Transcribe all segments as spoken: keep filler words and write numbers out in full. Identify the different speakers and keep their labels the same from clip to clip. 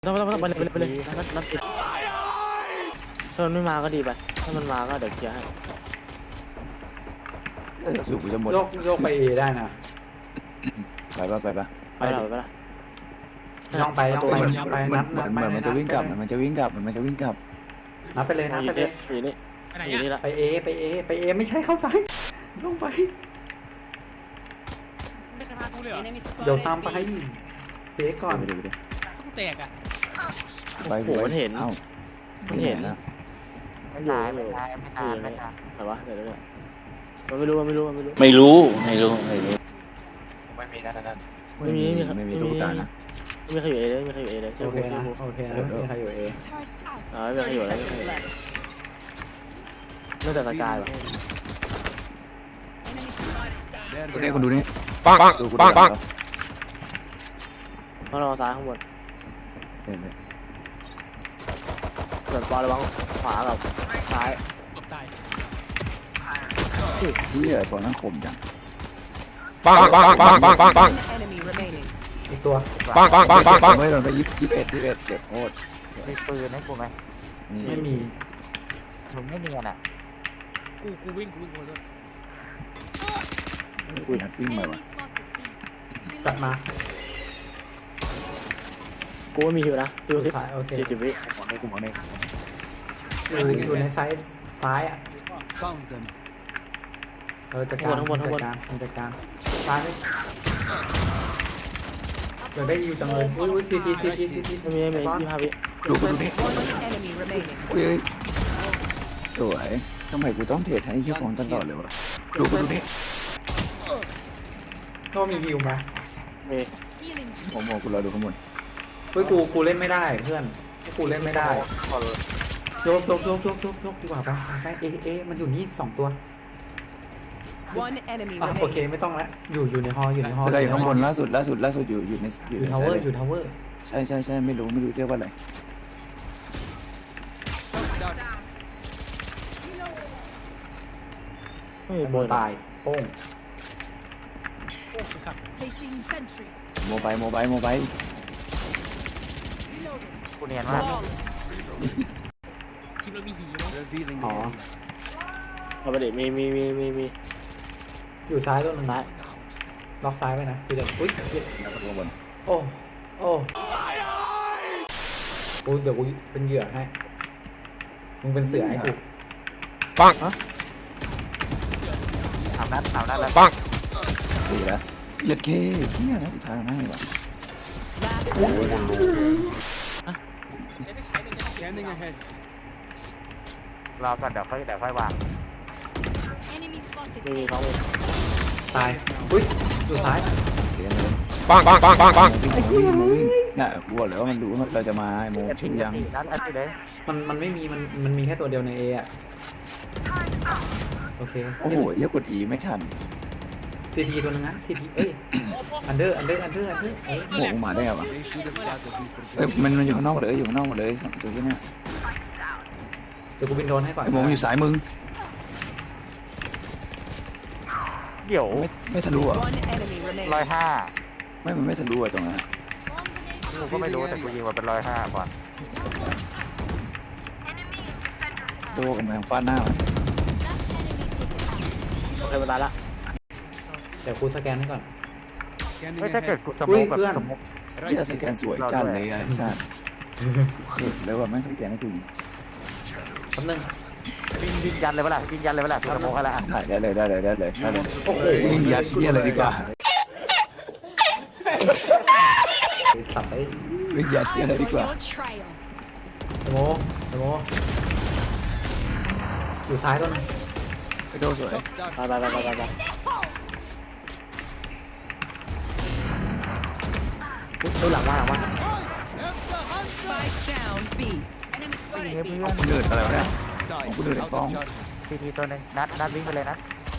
Speaker 1: ต้องต้องต้องไปเลยไปเลยไปเลยนัดนัดติดถ้ามันไม่มาก็ดีไปถ้ามันมาก็เดี๋ยวเคลียร์ให้
Speaker 2: สูบกูจะหมด
Speaker 3: โยกโยกไปเอได้นะ
Speaker 2: ไปปะไปปะ
Speaker 1: ไปละไปละ
Speaker 3: ย่องไปย่องไปย่องไปนัด
Speaker 2: เหมื
Speaker 3: นั
Speaker 2: อ
Speaker 3: ด
Speaker 2: น
Speaker 3: ไป
Speaker 2: เหมือนมันจะวิ่งกลับมันจะวิ่งกลับมันจะวิ่งกลับ
Speaker 3: นัดไปเลยนัด
Speaker 1: อ
Speaker 3: ไป
Speaker 1: ยู่
Speaker 3: เล
Speaker 1: นี่
Speaker 3: ย
Speaker 1: อยู่นี่อยู่นี่ละ
Speaker 3: ไปเอไปเอไปเอไม่ใช่เข้าซ้ายย่องไป
Speaker 4: ไม่เคยพากูเลยเหรอ
Speaker 3: เดี๋ยวตามไปเฟกก่อน
Speaker 2: ไปดูไปดู
Speaker 4: ต้องแตกอ่ะ
Speaker 2: ไป
Speaker 1: โอ้โหมันเห็น
Speaker 2: เอ้า
Speaker 1: มันเห็น
Speaker 2: นะ
Speaker 1: มันอยู่ไม่ตายไม่ตายไม่ตายแต่ว่าเดี๋ยวเดี๋ยวมันไม่รู้มันไม่รู้มันไม่รู้
Speaker 5: ไม่รู้ไม่รู้ไม่รู้
Speaker 2: ไม่มีนั่นนั่น
Speaker 1: ไม่มีไม่มีครับ
Speaker 2: ไม่มี
Speaker 1: ไม่มี
Speaker 2: ลูกตานะ
Speaker 1: ไม่มีใครอยู่เอเลยไม่มีใครอยู่เอเลยเชื่อ
Speaker 3: โอ
Speaker 1: กู
Speaker 3: เค
Speaker 1: เชื่อ
Speaker 3: นะ
Speaker 1: กู
Speaker 3: โอเคนะไม่มีใครอยู่เอ
Speaker 1: อ่าไม่มีใครอยู่แล้วไม่มีใครอยู่นอกจากสกายวะ
Speaker 2: ดูนี่คนดูนี่
Speaker 5: ปังปัง
Speaker 2: ดูกู
Speaker 5: ปังปัง
Speaker 1: ต้องรอซ้ายข้างบน
Speaker 2: เห็นไหม
Speaker 1: ส่วนปอระวังขวากับซ้าย
Speaker 4: ตบตาย
Speaker 2: ที่ไอ้ปอนั่งคมจัง
Speaker 5: ปังปังปังปังปังปัง
Speaker 3: อีกตัว
Speaker 5: ปังปังปังปังปัง
Speaker 2: ไม่โดนไปยี่สิบเอ็ดยี่สิบเอ็ดเจ็บโคตร
Speaker 6: มีปืนให้กูไหม
Speaker 2: นี่
Speaker 3: ไม่มี
Speaker 6: มึงไม่เนียนอ่ะ
Speaker 4: กูกูวิ่งกูวิ่งกูเลย
Speaker 2: คุยนัดวิ่งมาวะ
Speaker 3: จัดมา
Speaker 1: กูว่ามีฮิวนะฮิวสิบ
Speaker 3: โอเค
Speaker 1: สี่สิบวิ
Speaker 2: มองได้กูมองได้
Speaker 3: อยู่อยู่ในไซส์ซ้ายอ่ะเออจัดการจัดการจัดการซ้ายไม่เดี๋ยวได้ยูจังเลยอุ้ยอุ้ยซีทีซีทีซีที
Speaker 1: ไม่มีไม่มียี่ห้าวิ
Speaker 2: ดูกูดูนี่เฮ้ยสวยทำไมกูต้องเทรดให้ยี่ฟองตลอดเลยวะดูกูดูนี่
Speaker 3: ก็มีฮิวไหม
Speaker 1: มี
Speaker 2: ผมมองกูรอดูข้างบน
Speaker 3: เฮ้ยกูกูเล่นไม่ได้เพื่อนกูเล่นไม่ได้โยกโยกโยกโยกโยกโยกดีกว่าไปไปเอเอมันอยู่นี่สองตัวอ่ะโอเคไม่ต้องละอยู่อยู่ในฮออยู่ในฮอ
Speaker 2: จะได้อยู่ข้างบนล่าสุดล่าสุดล่าสุดอยู่อยู่ในอ
Speaker 3: อยู่ ยู่
Speaker 2: ใน
Speaker 3: ทาว
Speaker 2: ไซ
Speaker 3: เวอ
Speaker 2: ด์
Speaker 3: ร์อยู่ทาวเวอร์
Speaker 2: ใช่ใช่ใช่ไม่รู้ไม่รู้เรียกว่าอะไร
Speaker 1: ไม่มี
Speaker 3: โม
Speaker 1: โบน
Speaker 3: ตายโป้ง
Speaker 4: โอ้สุดขับ
Speaker 2: โมบายโมบายโมบาย
Speaker 6: กูเนียนมาก
Speaker 4: ทีมเรามีหีมั้ง
Speaker 3: อ๋อ
Speaker 1: เอาไปดิมีมีมีมีมี
Speaker 3: อยู่ซ้ายตัวหนึง
Speaker 1: ซ้าย
Speaker 3: ล็อกซ้ายไว้นะคือเดี๋ยวอุ้ย
Speaker 2: แล้วก็ข้างบน
Speaker 3: โอ้โอ้กูเดี๋ยวกูเป็นเหยื่อให้มึงเป็นเสือให้กู
Speaker 5: ปัง
Speaker 6: ถามนัดถามนัดแล้ว
Speaker 5: ปัง
Speaker 2: ดีแล้วเหยียดเคเฮียนะสุดท้ายง่ายว่ะ
Speaker 4: จะได้ใช้เลยจะได้
Speaker 6: รอก่อนเดี๋ยวค่อยเดี๋ยวค่อยวาง
Speaker 1: มีมีท้องมี
Speaker 3: ตายอุ้ยอยู่ซ้าย
Speaker 2: เดี๋ยวเลย
Speaker 5: ปังปังปังปังปัง
Speaker 2: วิ่งวิ่งวิ่งน่ะกูบอกเลยว่ามันรู้ว่าเราจะมาโมชิงยัง
Speaker 6: นัดนัดอยู่เลย
Speaker 3: มันมันไม่มีมันมันมีแค่ตัวเดียวในเออะโอเค
Speaker 2: โอ้โหเยอะกดอีไม่ทัน
Speaker 3: ซีทีตัวนึงนะซีทีเอ้ยอันเดอร์อันเดอร์อันเดอร์อันเดอร์เอ้ย
Speaker 2: โอ้โหมาได้ไงวะเอ้ยมันมันอยู่ข้างนอกหมดเลยอยู่ข้างนอกหมดเลยสองตัวที่เนี่ย
Speaker 3: เดี๋ยวกูบินโดนให้ก่อน
Speaker 2: ไอ้โมมันอยู่สายมึง
Speaker 6: เดี๋ยว
Speaker 2: ไม่ไม่ทะลุอ่ะ
Speaker 6: ร้อยห้า
Speaker 2: ไม่มันไม่ทะลุอ่ะตรงนั้น
Speaker 6: กูก็ไม่รู้แต่กูยิงมาเป็นร้อยห้าก่อน
Speaker 2: ตัวกำลังฟาดหน้ามัน
Speaker 1: โอเคมาตายละ
Speaker 3: เดี๋ยวกูสแกนให้ก่อน
Speaker 6: ไม่ถ้าเกิดกูส
Speaker 3: อุ้
Speaker 6: มุ
Speaker 3: ย
Speaker 6: กแบบ
Speaker 3: เพื่อน
Speaker 6: สมุก
Speaker 2: ที่สแกนสวยจัดเลยไอ้สัสเขินเลยว่าแม่งสแกนให้กูยิง
Speaker 3: แป๊บนึง
Speaker 6: ยิงยิงยันเลยเปล่ายิงยันเลยเปล่าสมุกอะไรอ่ะ
Speaker 2: ได้เลยได้เลยได้เลยได้เลย
Speaker 3: โอ้โห
Speaker 2: ยิงยัดเยี่ยเลยดีกว่า
Speaker 3: ตัดไป
Speaker 2: ยิงยัดเยี่ยเลยดีกว่า
Speaker 3: สโมสโมอยู่ซ้ายตัวนึง
Speaker 2: ไปโดนสวย
Speaker 1: ไปไปไปไปไปไปดูหลังมาหลังมา
Speaker 2: กูเดือดอะไรวะเนี่ยกูเดือดไอ้ป้อง
Speaker 6: ทีทีตัวหนึงนัดนัดวิ่งไปเลยนัด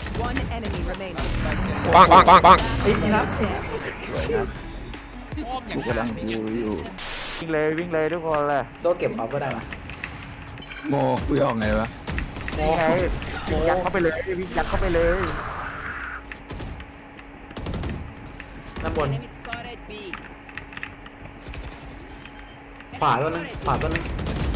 Speaker 5: ปังปังปังปัง
Speaker 3: ไอ้ยนี่นะ
Speaker 2: สวยนะกูกำลังดูอยู่
Speaker 6: วิ่งเลยวิ่งเลยทุกคนเลย
Speaker 3: โดเก็บเอาก็ได้มา
Speaker 2: โมกูจะออกไงวะ
Speaker 6: นี่ไงวิ่งยัดเข้าไปเลยวิ่งยัดเข้าไปเลย
Speaker 3: ด้านบนขวาตัวนึงขวาตัวนึง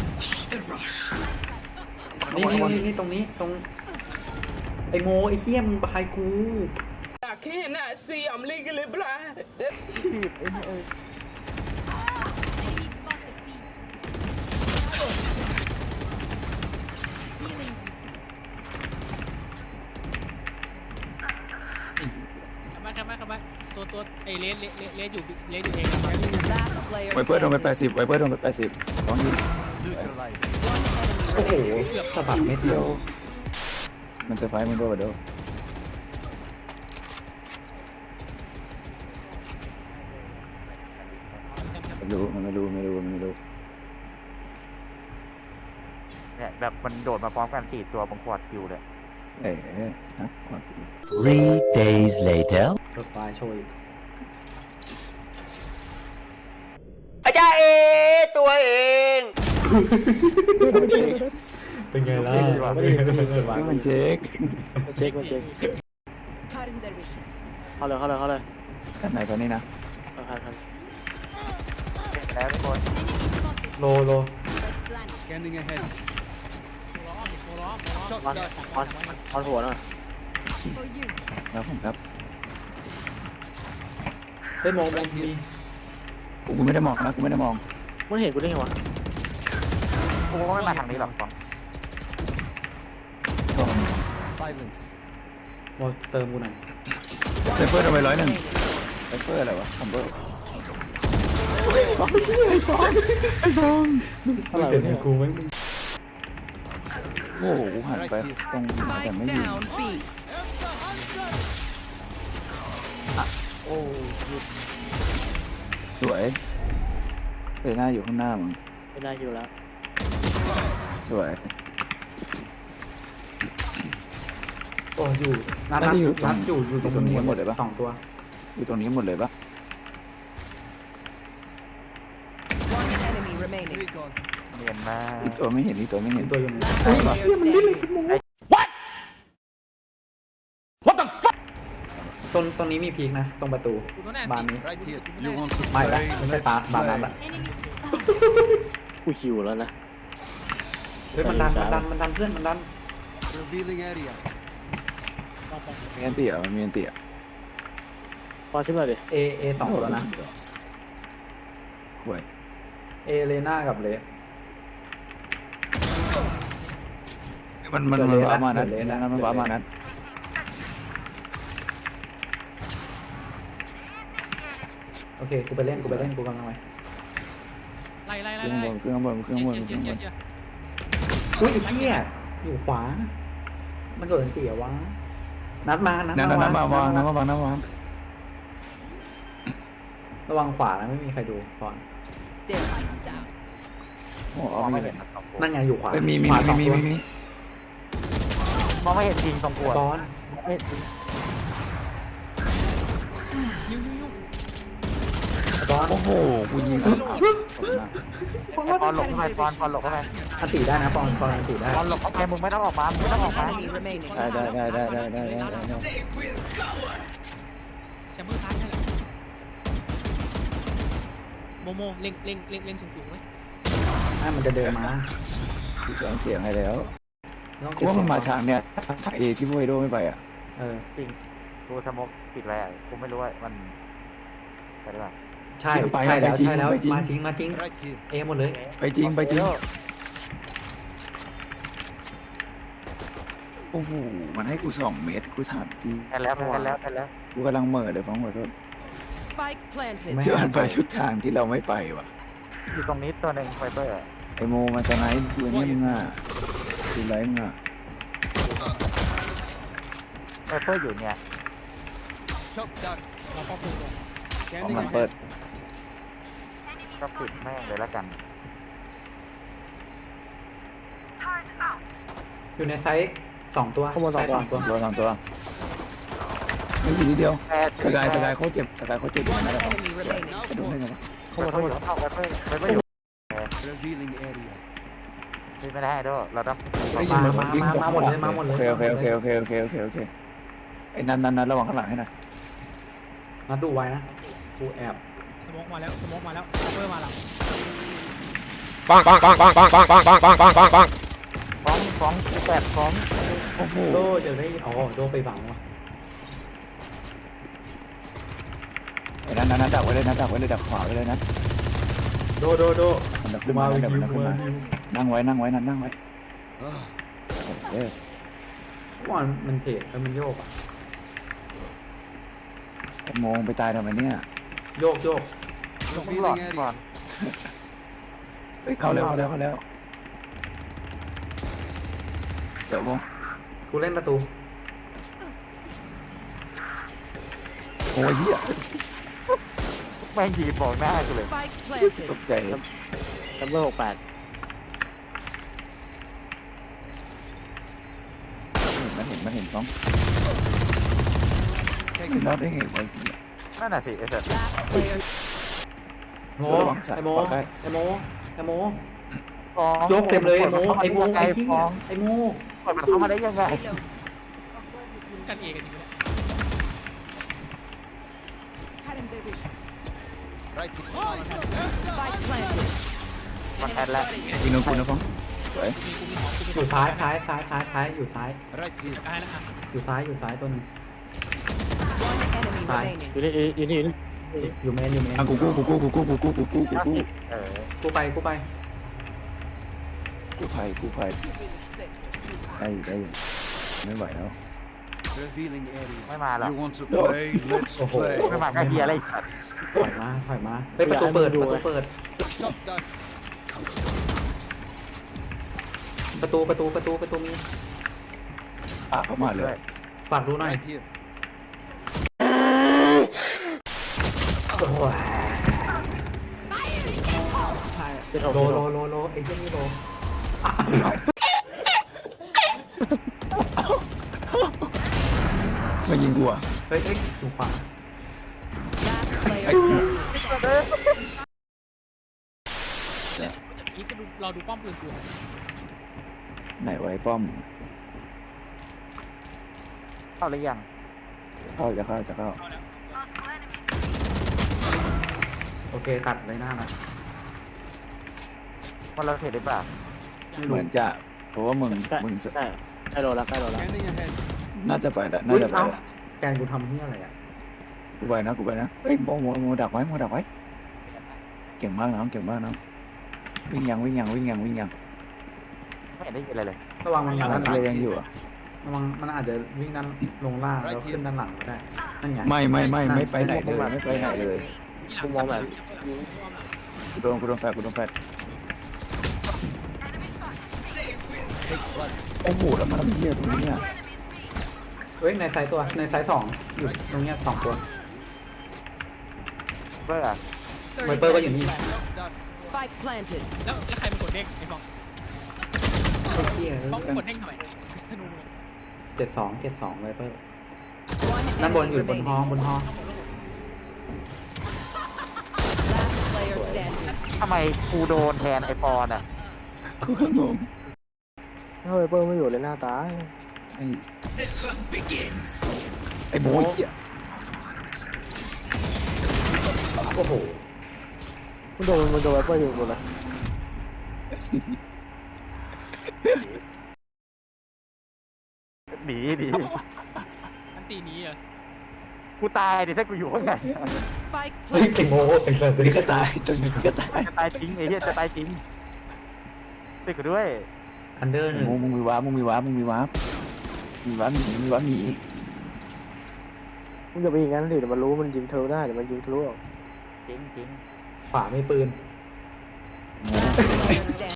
Speaker 3: นี่นี่นี่นี่ตรงนี้ตรงไอโมไอเหี้ยมึงบายกู
Speaker 4: I cannot see. I'm legally blind.
Speaker 7: เข้ามาเข้ามาเข้ามาตัวตัวไอเลสเลสเลสอยู่เลสอยู่เอง
Speaker 2: ไวเปอร์โดนไปแปดสิบไวเปอร์โดนไปแปดสิบสองยิง
Speaker 3: โอ้โหสะบัดเม็ดเดียว
Speaker 2: มันเซอร์ไพรส์มันด้วยเด้อไม่รู้มันไม่รู้ไม่รู้มันไม่รู้
Speaker 6: เนี่ยแบบมันโดดมาพร้อมกันสี่ตัวผมกวาดคิวเลย
Speaker 2: เอ๊ะฮะ
Speaker 8: Three days later.
Speaker 3: รถไฟโชย
Speaker 8: อาจารย์เอตัวเอง
Speaker 3: เป็นไงล่ะ
Speaker 2: นี่มันเจ๊ก
Speaker 1: มันเช็คมันเช็คเข้าเลยเข้าเลยเข้าเลย
Speaker 2: กันไหนกันนี่นะ
Speaker 1: เข้าคันคัน
Speaker 6: เสร็จแล้วทุกคน
Speaker 3: โลโล
Speaker 1: ออนออนออนหัวหน่อย
Speaker 2: แล้วผมครับ
Speaker 3: เฮ้ยโมโมมี
Speaker 2: กูไม่ได้มองนะกูไม่ได้มอง
Speaker 1: มันเห็นกูได้ไงวะ
Speaker 6: กูก็ไม่มาทางนี้หรอกฟอง
Speaker 3: โมเติมกูหน่อย
Speaker 2: ไวเปอร์โดนไปร้อยหนึ่งไวเปอร์อะไรวะคอมเบอร์
Speaker 1: อะไร
Speaker 3: เดี๋ยว
Speaker 1: เนี่ย
Speaker 3: กูไม่
Speaker 2: โอ้โหกูหันไปตรงแต่ไม่ยิง
Speaker 1: โอ้
Speaker 2: สวยเลยหน้าอยู่ข้างหน้ามึง
Speaker 1: ไม่ได้อยู่แล้ว
Speaker 2: สวย
Speaker 3: โอ้อยู่นัดนัดอยู่นัดอยู่อยู่ตรงนี้หมดเลยปะสองตัว
Speaker 2: อยู่ตรงนี้หมดเลยปะ
Speaker 9: One enemy remaining.
Speaker 6: เนียนมาก
Speaker 2: อีกตัวไม่เห็นอีกตัวไม่เห็น
Speaker 3: ตัวอยู่
Speaker 9: Player standing.
Speaker 3: ตรงตรงนี้มีพีกนะ ตรงประตู
Speaker 7: กูตัวแน่
Speaker 3: บานนี้
Speaker 8: You want to
Speaker 3: ไม่ละไม่ใช่ตาบานนั้นละ
Speaker 1: กูคิวแล้วนะ
Speaker 3: เฮ้ยมันดันมันดันมันดันเพื่อนมันดัน
Speaker 8: revealing area?
Speaker 2: มีอันเตี่ยมันมีอันเตี่ย
Speaker 1: พอชิมหน่อยดิ
Speaker 3: เอเอสองตัวนะ
Speaker 2: ห่วย
Speaker 3: เอเลน่ากับเล
Speaker 2: มันมันมันว้ามานั้นนั้นมันว้ามานั้น
Speaker 3: โอเคกูไปเล่นกูไปเล่นกูกำลังไป
Speaker 7: ไล่ไล่
Speaker 2: เค
Speaker 7: ไล่
Speaker 2: รื่อง
Speaker 7: ไล่
Speaker 2: บนเครื่องบนเครื่องบนเครื่องบน
Speaker 3: อุ้ยไอ้เหี้ยอยู่ขวา มันโดนเสียวะนัดมานัด
Speaker 2: นั่น
Speaker 3: มา
Speaker 2: นั่นมาวางนั่นมาวางนั่นมาวาง
Speaker 3: ระวังขวานะไม่มีใครดูก่อน
Speaker 9: Their lights down.
Speaker 2: โอ้
Speaker 6: ม
Speaker 2: เอา
Speaker 6: อง
Speaker 2: ไม่
Speaker 6: ไม่
Speaker 2: เล
Speaker 6: เห็
Speaker 2: ย
Speaker 6: นนะสองตัว
Speaker 3: นั่นไงอยู่ขวา
Speaker 2: มีมี
Speaker 3: ขวาส
Speaker 2: มี
Speaker 3: อง
Speaker 2: มี
Speaker 3: ตัว
Speaker 2: มี
Speaker 6: มองไม่เห็นจริงตรงกวด
Speaker 3: ก้อน ก้อน
Speaker 2: โอ้โหกูยิง
Speaker 6: ไอ้ปอนหลบเข้าไปปอนปอนหลบเข้าไป
Speaker 3: อันติได้นะปอนปอนอันติได้
Speaker 6: ปอนหลบเข้าไปมึงไม่ต้องออกมามึงไม่ต้องออกมา
Speaker 9: Enemy remaining.
Speaker 2: ได้ได้ได้ได้ได้ได้ได้ได้
Speaker 7: แชมเบอร์ซ้ายนั่นแหละโมโมเล็งเล็งเล็งเล็งสูงสูงไหม
Speaker 3: ให้มันจะเดินมา
Speaker 2: กูแจ้งเสียงให้แล้ว
Speaker 3: ต้อง
Speaker 2: กูว่ามันมาทางเนี้ยทางเอที่พวกไอโดไม่ไปอ่ะ
Speaker 3: เออ
Speaker 6: จริงกูสมกปิดแล้วกูไม่รู้ว่ามันไปได้ป่ะ
Speaker 3: ใช่ใช่แล้วใช่แล้วมาจริงมาจริง
Speaker 8: Right here.
Speaker 3: เอหมดเลย
Speaker 2: ไปจริงไปจริงโอ้โหมันให้กูสองเมตรกูถามจริง
Speaker 6: แพ้แล้วแพ้แล้วแพ้แล้ว
Speaker 2: กูกำลังเหม่อเลยฟังขอโทษ
Speaker 9: Spike planted.
Speaker 2: ที่มันไปทุกทางที่เราไม่ไปว่ะ
Speaker 6: อยู่ตรงนี้ตัวหนึ่งไฟเบอร์
Speaker 2: ไอโมมันจะไหนดูนี่มึงอ่ะดูไรมึงอ่ะ
Speaker 6: ไฟเบอร์อยู่เนี่ย
Speaker 8: Shot down.
Speaker 2: เอามันเปิด
Speaker 6: ก็ปิดแม่งเลยแล้วกัน
Speaker 3: อยู่ในไซส์สองตัวไซส์สองตัว
Speaker 2: ตัวสองตัวไม่อยู่ทีเดียว
Speaker 6: แพ้
Speaker 2: สกายสกายเขาเจ็บสกายเขาเจ็บอยู่
Speaker 9: One
Speaker 2: นะครั
Speaker 9: enemy remaining.
Speaker 2: บโดนได้ไงวะ
Speaker 6: เข้ามาเข้ามาเข้าไฟเบอร์ไฟเบอร์อยู่
Speaker 8: Revealing area.
Speaker 6: นี่ไม่ได้ด้วยเราต้อง
Speaker 3: มามามามาหมดเลยมาหมดเลย
Speaker 2: โอเคโอเคโอเคโอเคโอเคโอเคโอเคไอ้นั่นนั่นนั่นระวังข้างหลังให้หน่อย
Speaker 3: มาดูไว้นะกูแอบ
Speaker 7: สโมกมาแล้วสโมกมาแล้วแชมเบอร์มาแล้ว
Speaker 5: bonk, bonk, bonk, bonk, bonk, bonk, bonk, bonk, bonk, bonk, bonk, bonk.
Speaker 6: ฟ้องฟ้องแปดฟ้อง
Speaker 2: โอ้โห
Speaker 3: โดจะได้อ๋อโดไปบังวะ
Speaker 2: ไอ้นั่นนั่นดักไว้เลยนะดักไว้เลยดักขวาไว้เลยนะ
Speaker 3: โดโดโด
Speaker 2: มันดัก
Speaker 3: กู
Speaker 2: ขึ้น
Speaker 3: มา
Speaker 2: มา
Speaker 3: วิ
Speaker 2: ดัก
Speaker 3: ว
Speaker 2: มันดัก
Speaker 3: กู
Speaker 2: ขึ้น
Speaker 3: มา
Speaker 2: มา
Speaker 3: วิว
Speaker 2: นั่งไว้นั่งไว้นั่งนั่งไว้เออ
Speaker 3: ว่ามันเทรดแล้วมันโยกอะ
Speaker 2: ไอ้โมงไปตายทำไมเนี่ย
Speaker 3: โยกโยก
Speaker 6: ต้องหลอดก่อน
Speaker 2: เฮ้ยเข้าแล้วเข้าแล้วเข้าแล้วเสียวโมง
Speaker 3: กูเล่นประตู
Speaker 2: โอ้ยเหี้ย
Speaker 6: แม่งยีบบอกหน้ากูเลย
Speaker 9: Spike planted.
Speaker 2: ตกใจ
Speaker 1: ดับเบิลหกแปด
Speaker 2: มันเห็นมันเห็นฟ้องมันรอดได้ไงวะ
Speaker 6: นั่นน่ะสิไอ้สัตว์
Speaker 9: Last player.
Speaker 3: โมไอโมไอโมไอโม
Speaker 6: ฟ้อง
Speaker 3: ยกเต็มเลยไอโมไอโม
Speaker 6: ไอ้
Speaker 3: ไอที่
Speaker 6: ฟ้อง
Speaker 3: ไอโม
Speaker 6: กดมันเข้ามาได้ยังไง
Speaker 7: กันเองกันจริงๆเนี่ย
Speaker 9: Spike planted.
Speaker 6: มันแอดแล้ว
Speaker 2: กินนมกินนมฟ้องสวย
Speaker 7: กูมีกูมีของกูมี
Speaker 3: อยู่ซ้ายซ้ายซ้ายซ้ายซ้ายอยู่ซ้าย
Speaker 7: จัดการให้แล้วอ่ะ
Speaker 3: อยู่ซ้ายอยู่ซ้ายตัวหนึง
Speaker 9: One enemy
Speaker 3: Bye.
Speaker 9: remaining.
Speaker 1: อยู่นี่อยู่นี่อยู่นี่
Speaker 3: อยู่เมนอยู่เมน
Speaker 2: อ่ะกูกู้กูกู้กูกู้กูกู้กูกู้กูกู้
Speaker 6: เออ
Speaker 3: กูไปกูไป
Speaker 2: กูภัยกูภัยได้ได้ไม่ไหวแล้ว
Speaker 6: ไม่มาหรอก
Speaker 2: โอ้โห
Speaker 6: ไม่มาแค่เฮียอะไรอีกสัตว์
Speaker 3: ถอยมาถอยมาไปประตูเปิดประตูเปิด ประตูประตูประตูประตูมี
Speaker 2: อ่ะเข้ามาเลย
Speaker 3: ฝากดูหน่อยโอ้โห
Speaker 1: เป็นหก
Speaker 3: โลโลโลโลไอ้เจ้านี่โล
Speaker 2: มายิงกูอ่ะ
Speaker 3: เฮ้ยเฮ้ยดูขวา
Speaker 9: Last player standing.
Speaker 7: อีกก็ดูรอดูป้อมปืนกู
Speaker 2: ไหนไว้ป้อม
Speaker 6: เข้าหรือยัง
Speaker 2: เข้าจะเข้าจะเข้า
Speaker 7: เอาแล้ว
Speaker 3: โอเคตัดเลยหน้านะ
Speaker 6: มันเราเห็นหรือเปล่า
Speaker 2: เหมือนจะเพราะว่ามึง
Speaker 1: ใกล้
Speaker 2: มึง
Speaker 1: ใกล้ใกล้โดนแล้วใกล้โดนแล้ว
Speaker 2: น่าจะไปละน่า
Speaker 3: อุ้ย
Speaker 2: จะไป
Speaker 3: เอ้า
Speaker 2: ละ
Speaker 3: แกนกูทำที่อะไรอ่ะ
Speaker 2: กูไปนะกูไปนะเฮ้ยโมโมโมดักไว้โมดักไว้เก่งมากน้องเก่งมากน้องวิ่งยังวิ่งยังวิ่งยังวิ่งยัง
Speaker 6: ไม่เห็นได้ยินอะไรเลย
Speaker 3: ระวังมันมาด้านหลัง
Speaker 2: เลยยังอยู่อ่ะ
Speaker 3: ระวังมันอาจจะวิ่งด้านลงล่างแล้วขึ้นด้านหลังก็ได้นั่นไง
Speaker 2: ไม่ไม่ไม่ไม่ไปไหนเลยไม่ไปไหนเลย
Speaker 7: ที่หลัง
Speaker 1: กูมองแบบ
Speaker 2: กูโดนกูโดนแฟดกูโดนแฟดโอ้โหแล้วมันเหี้ยตรงนี้เนี่ย
Speaker 3: เฮ้ยในไซส์ตัวในไซส์สองอยู่ตรงเนี้ยสองตัว
Speaker 6: เพื่อ
Speaker 3: ไวเปอร์ก็อยู่นี่
Speaker 9: Spike planted.
Speaker 7: แล้วแล้วใครเป็นกดเด้งไอ้ฟอง
Speaker 3: ไอ้เหี้ย
Speaker 7: ฟองกดเด้งทำไมธนูเลย
Speaker 3: เจ็ดสองเจ็ดสองไวเปอร์
Speaker 9: One
Speaker 3: ด้านบน
Speaker 9: enemy
Speaker 3: อยู่บน
Speaker 9: remaining.
Speaker 3: ห้องบนห้อง
Speaker 9: Last player standing.
Speaker 6: ทำไมกูโดนแทนไอปอนอ่ะ
Speaker 2: กูก็งง
Speaker 1: เฮ้ยเปิ้ลไม่อยู่เลยหน้าตาย
Speaker 2: ไอ้ไอ้โมเหี้ย
Speaker 3: โอ้โห
Speaker 1: มันโดนมันโดนเปิ้ลอยู่หมดเลย
Speaker 6: หนีดิ
Speaker 7: อันตีนี้เหรอ
Speaker 6: กูตายดิถ้ากูอยู่ข้างใน
Speaker 9: Spike
Speaker 3: เฮ้ย
Speaker 9: planted.
Speaker 3: ไอ้โมไอ้สัตว์
Speaker 2: นี่ก็ตายตรงนี้ก็ตาย
Speaker 6: จะตายจริงไอ้เหี้ยจะตายจริงติดกูด้วย
Speaker 3: อันเดอร์หนึ่ง
Speaker 2: มึงมึงมีวาร์ปมึงมีวาร์ปมึงมีวาร์ปมีวาร์ปหนีมีวาร์ปหนี
Speaker 1: มึงอย่าไปอย่างนั้นดิเดี๋ยวมันรู้มันยิงทะลุได้เดี๋ยวมันยิงทะลุออก
Speaker 6: จริงจริง
Speaker 3: ขวาไม่ปืน
Speaker 9: Player standing.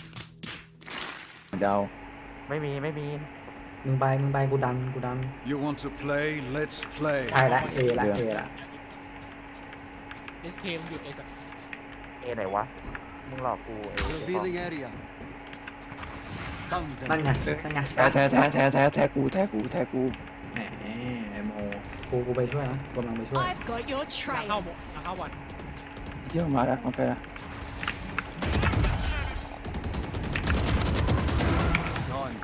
Speaker 2: เดา
Speaker 6: ไม่มีไม่มี
Speaker 3: มึงไปมึงไปกูดันกูดัน
Speaker 10: You want to play? Let's play.
Speaker 3: ใช่ละเอละเอละ
Speaker 7: เอสเคมหยุดไอ้สัส
Speaker 6: เอไหนวะมึงหลอกกูไอ้ไอ้ปอน
Speaker 10: Revealing area. Found
Speaker 3: นั่น
Speaker 10: them.
Speaker 3: ไงนั่นไง
Speaker 2: แท้แท้แท้แท้แท้แท้กูแท้กูแท้กู
Speaker 3: แหมไอ้โมกูกูไปช่วยนะกำลังไปช่วย
Speaker 9: I've got your
Speaker 7: หลังเข้าหมดหลังเข้าวัน
Speaker 2: เยี่ยมมาแล้วมาไปแล้ว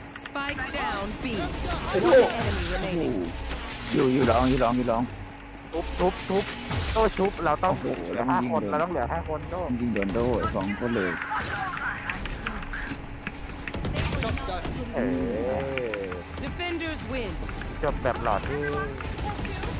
Speaker 9: Spike down B.
Speaker 3: โอ้โห
Speaker 9: One enemy remaining.
Speaker 2: อยู่อยู่ร้องอยู่ร้องอยู่ร้อง
Speaker 7: ก
Speaker 6: ทุบทุบทุบโต้ชุบเราต้อง
Speaker 2: โอ้โห
Speaker 6: เหลื
Speaker 2: แล้
Speaker 6: อ
Speaker 2: วมัน
Speaker 6: ห้า
Speaker 2: ยิง
Speaker 6: คน
Speaker 2: โดน
Speaker 6: เราต้องเหลือห้าคนโต้
Speaker 2: ยิงโดนโดไอ้สองคนเลย
Speaker 6: เออ
Speaker 9: Defenders win.
Speaker 6: จบแบบหลอดที่